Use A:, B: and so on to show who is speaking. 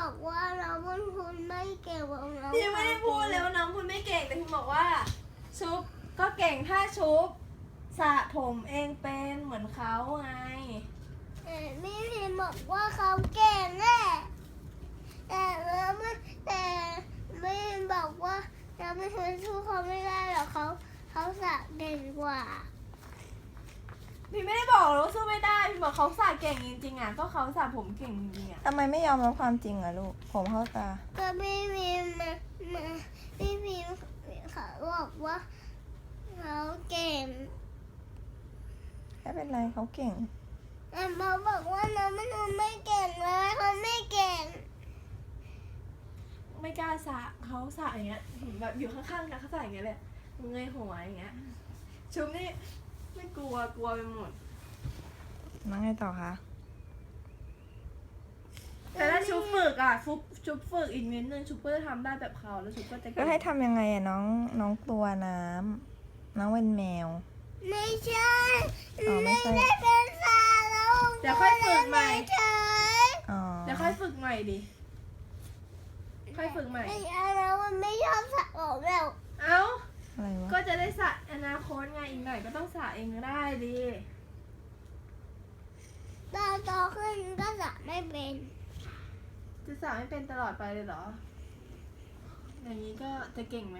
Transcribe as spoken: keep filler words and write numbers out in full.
A: บอกว่าน้องบุญคุณไม่เก่งของน้อง
B: พี่ไม่ได้พูดเลยว่าน้องคุณไม่เก่งแต่คุณบอกว่า ชุบก็เก่งถ้าชุบสระผมเองเป็นเหมือนเขาไง
A: แต่พี่พิมบอกว่าเขาเก่งแน่แต่แล้วไม่แต่ไม่บอกว่าเราไม่เคยสู้เขาไม่ได้หรอกเขาเขาสระเก่งกว่า
B: พี่ไม่ได้บอกเลยว่าสู้ไม่ได้พี่บอกเขาสระเก่งจริงๆอ่ะก็เขาสระผมเก่งจริงๆอ่ะ
C: ทำไมไม่ยอมรับความจริงอะลูก ผมเข้าตา
A: ก็พี่พิมมามาพี่พิมเขาบอกว่าเขาเก่ง
C: ไม่เป็นไรเขาเก่ง
A: แต่เขาบอกว่าน้องมันไม่เก่งเลยเขาไม่เก่ง
B: ไม่กล้าสระเขาสระอย่างเงี้ยแบบอยู่ข้างๆกันเขาสระอย่างเงี้ยเลยเงยหัวอย่างเงี้ยชุบนี่ไม่กลัวกลัวไปหมด
C: น้องไงต่อคะ
B: แต่ถ้าชุบฝึกอ่ะชุบชุบฝึกอีกนิดนึงชุบก็จะทำได้แบบเขาแล้วชุบก็จะ
C: ก็ให้ทำยังไงอะน้องน้องกลัวน้ำน้องเป็นแมว
A: ไม่ใช่
C: อ๋อไม่
A: ไม่
C: ใช่
A: ได้เป็นสาวแล้ว
B: เดี๋ยวค่อยฝึกใหม่
A: เฉย
C: อ๋อ
B: เดี๋ยวค่อยฝึกใหม่ดิค่อยฝึกใหม่
A: ไอ้อันนั้นมันไม่ชอบสระผมแล้ว
B: เอ้า
C: อะไรวะ
B: ก็จะได้สระอนาคตไงอีกหน่อยก็ต้องสระเองก็ได้ดิ
A: ตอนโตขึ้นก็สระไม่เป็น
B: จะสระไม่เป็นตลอดไปเลยเหรอ อย่างนี้ก็จะเก่งไหม